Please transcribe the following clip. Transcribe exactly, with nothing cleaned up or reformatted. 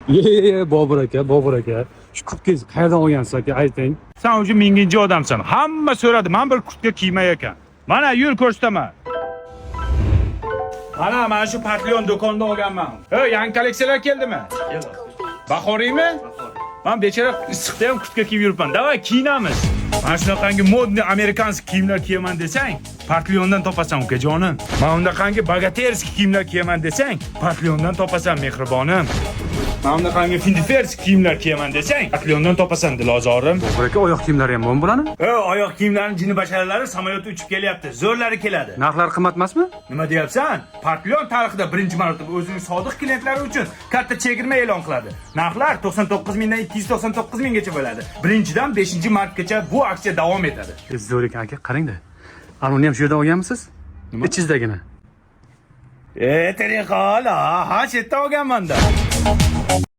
Ye ye ye Bobur aka, Bobur aka. Shu kurtkangizni qayerdan olgansiz aka, ayting. Sen o'zi minginchi odamsan. Hamma so'radi, men bir kurtka kiymay ekan. Mana yo'l ko'rsataman. Mana mana shu Patlion do'kondan olganman. Hey, yangi kolleksiyalar keldimi? Yo'q. Bahoriymi? Men bechara issiqda ham kurtka kiyib yuribman. Davay kiyinamiz. Mana shunaqangi modniy amerikanskiy kiyimlar kiyaman desang, Patliondan topasan ukajonim. Mana undaqangi bogaterskiy kiyimlar kiyaman desang, Patliondan topasan mehribonim. Mana undaqangi findiferskiy kiyimlar kiyaman desang, Patliondan topasan dilozorim. Bobur aka, oyoq kiyimlari ham bormi bularni? E, oyoq kiyimlarining jini basharalari samolyotda uchib kelyapti. Zo'rlari keladi. Narxlari qimmat emasmi? Nima deyapsan? Patlion tarixida birinchi marotaba o'zining sodiq klientlari uchun katta chegirma e'lon qiladi. Narxlar to'qson to'qqiz mingdan ikki yuz to'qson to'qqiz minggacha bo'ladi. birinchidan beshinchi martgacha bu aksiya davom etadi. Zo'r ekan aka, qarang-da. Anuni ham shu yerdan olganmisiz? Ichingizdagina. E, tariqola, ha, shu yerdan olganman-da.